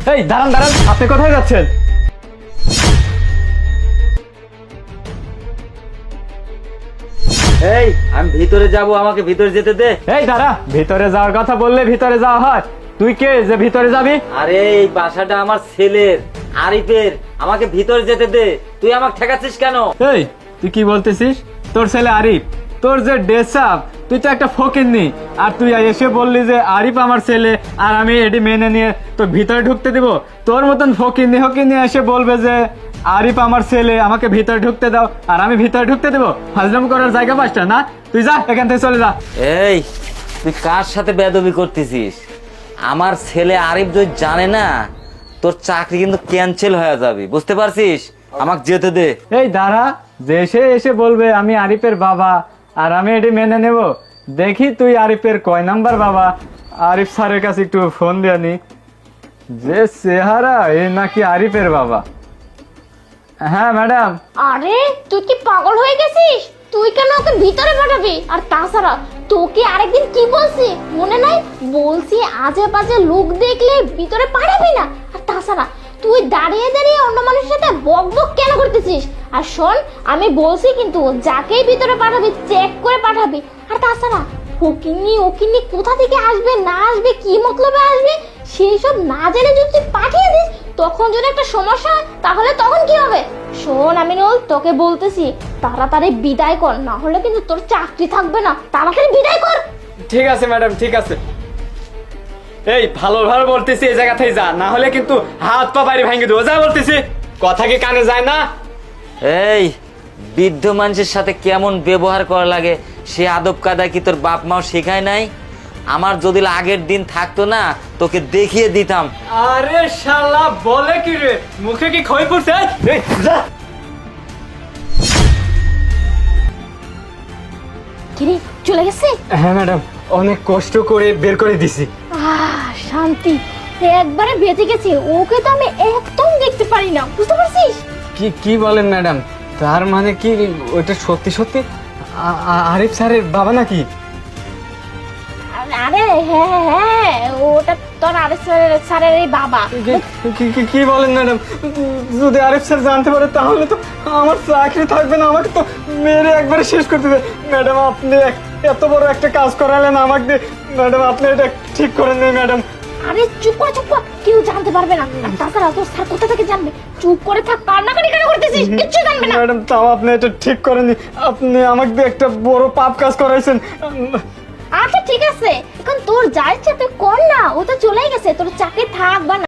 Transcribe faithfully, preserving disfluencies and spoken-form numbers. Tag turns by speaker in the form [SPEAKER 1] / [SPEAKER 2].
[SPEAKER 1] এই দাঁড়ান দাঁড়ান, আপনি কোথায় যাচ্ছেন?
[SPEAKER 2] এই আমি ভিতরে যাব, আমাকে ভিতরে যেতে দে।
[SPEAKER 1] এই দাঁড়া, ভিতরে যাওয়ার কথা বললে ভিতরে যাওয়া হয়? তুই কে যে ভিতরে যাবি?
[SPEAKER 2] আরে এই বাসাটা আমার ছেলের, আরিফের, আমাকে ভিতরে যেতে দে। তুই আমাকে ঠেকাচ্ছিস কেন?
[SPEAKER 1] এই তুই কি বলতেছিস? তোর ছেলে আরিফ, তোর যে ড্রেস আপ, তুই তো একটা ফকিন্নি, আর তুই এসে বললি যে আরিফ আমার ছেলে আর আমি এটি মেনে নিয়ে তোর ভিতরে ঢুকতে দিব? তোর মতন ফকিন্নি হকিন্নি এসে বলবে যে আরিফ আমার ছেলে, আমাকে ভিতরে ঢুকতে দাও, আর আমি ভিতরে ঢুকতে দেবো? হাজলাম করার জায়গা পাসটা না? তুই যা এখান থেকে, চলে যা।
[SPEAKER 2] এই তুই কার সাথে বেয়াদবি করতেছিস? আমার ছেলে আরিফ যদি জানে না, তোর চাকরি কিন্তু ক্যান্সেল হয়ে যাবে, বুঝতে পারছিস? আমাকে যেতে দে।
[SPEAKER 1] এই দাঁড়া, যে এসে এসে বলবে আমি আরিফের বাবা আর আমি এটি মেনে নেব। দেখি তুই আরিফের কয় নাম্বার বাবা। আরিফ স্যারের কাছে একটু ফোন দিয়ে নি। যে চেহারা, এ নাকি আরিফের বাবা। হ্যাঁ ম্যাডাম।
[SPEAKER 3] আরে তুই কি পাগল হয়ে গেছিস? তুই কেন ওকে ভিতরে পাঠাবি? আর তাছাড়া তোকে আরেকদিন কি বলছি মনে নাই? বলছি আজে বাজে লোক দেখলে ভিতরে পাঠাবি না। আর তাছাড়া তুই দাঁড়িয়ে দাঁড়িয়ে অন্য মানুষের সাথে বক বক কেন করতেছিস? আর শোন, আমি বলছি কিন্তু যাকেই ভিতরে পাঠাবি চেক করে পাঠাবি। আর তাছাড়া ফকিন্নি ওকিন্নি কোথা থেকে আসবে না আসবে, কি মতলবে আসবে, সেই সব না জেনে যদি তুই পাঠিয়ে দিস, তখন যদি একটা সমস্যা হয় তাহলে তখন কি হবে? শোন আমিনুল, তোকে বলতেছি তাড়াতাড়ি বিদায় কর, না হলে কিন্তু তোর চাকরি থাকবে না। তাড়াতাড়ি বিদায় কর।
[SPEAKER 1] ঠিক আছে ম্যাডাম, ঠিক আছে। এই ভালো ভালো বলতেছি, এই জায়গা থেকে যা, না হলে কিন্তু হাত পা বাইরে ভেঙে দেবো। যা বলতেছি, কথা কি কানে যায় না?
[SPEAKER 2] এই বৃদ্ধ মানুষের সাথে কেমন ব্যবহার করা লাগে সে আদব কায়দা কি তোর বাপ মাও শেখায় নাই? আমার যদি আগের দিন থাকতো না, তোকে দেখিয়ে দিতাম।
[SPEAKER 1] আরে শালা বলে কি রে, মুখে কি খই পড়ছে? এই যা।
[SPEAKER 3] কিরে চলে গেছে?
[SPEAKER 1] হ্যাঁ ম্যাডাম, অনেক কষ্ট করে বের করে দিছি।
[SPEAKER 3] আহ শান্তি, একবারে বেঁচে গেছে। ওকে তো আমি একদম দেখতে পারি না, বুঝতে পারছিস?
[SPEAKER 1] কি কি বলেন ম্যাডাম? তার মানে কি ওটা সত্যি সত্যি আ- আ- আরিফ স্যারের বাবা নাকি?
[SPEAKER 3] আরে হ্যাঁ হ্যাঁ, ওটা তোর আরিফ স্যারের স্যারের এই বাবা।
[SPEAKER 1] কি- কি- কি- কি বলেন ম্যাডাম? যদি আরিফ স্যার জানতে পারে তাহলে তো আমার চাকরি থাকবে না, আমাকে তো মেরে একবারে শেষ করতে দেবে। ম্যাডাম আপনি এক- এত বড় একটা কাজ করালেন আমাকে দিয়ে। ম্যাডাম আপনি এটা ঠিক করেন না ম্যাডাম।
[SPEAKER 3] আরে চুপ করে চুপ কর, কেউ জানতে পারবে না। আর তাছাড়া তোর স্যার কোথা থেকে জানবে? চুপ করে থাক, কান্নাকাটি কেন করতেছিস? কিচ্ছু জানবে না।
[SPEAKER 1] ম্যাডাম তাও আপনি এটা ঠিক করেননি, আপনি আমাকে দিয়ে একটা বড় পাপ কাজ করাইছেন।
[SPEAKER 3] আচ্ছা ঠিক আছে, এখন তোর যা ইচ্ছা তুই কর না, ও তো চলেই গেছে, তোর চাকরি থাক বা না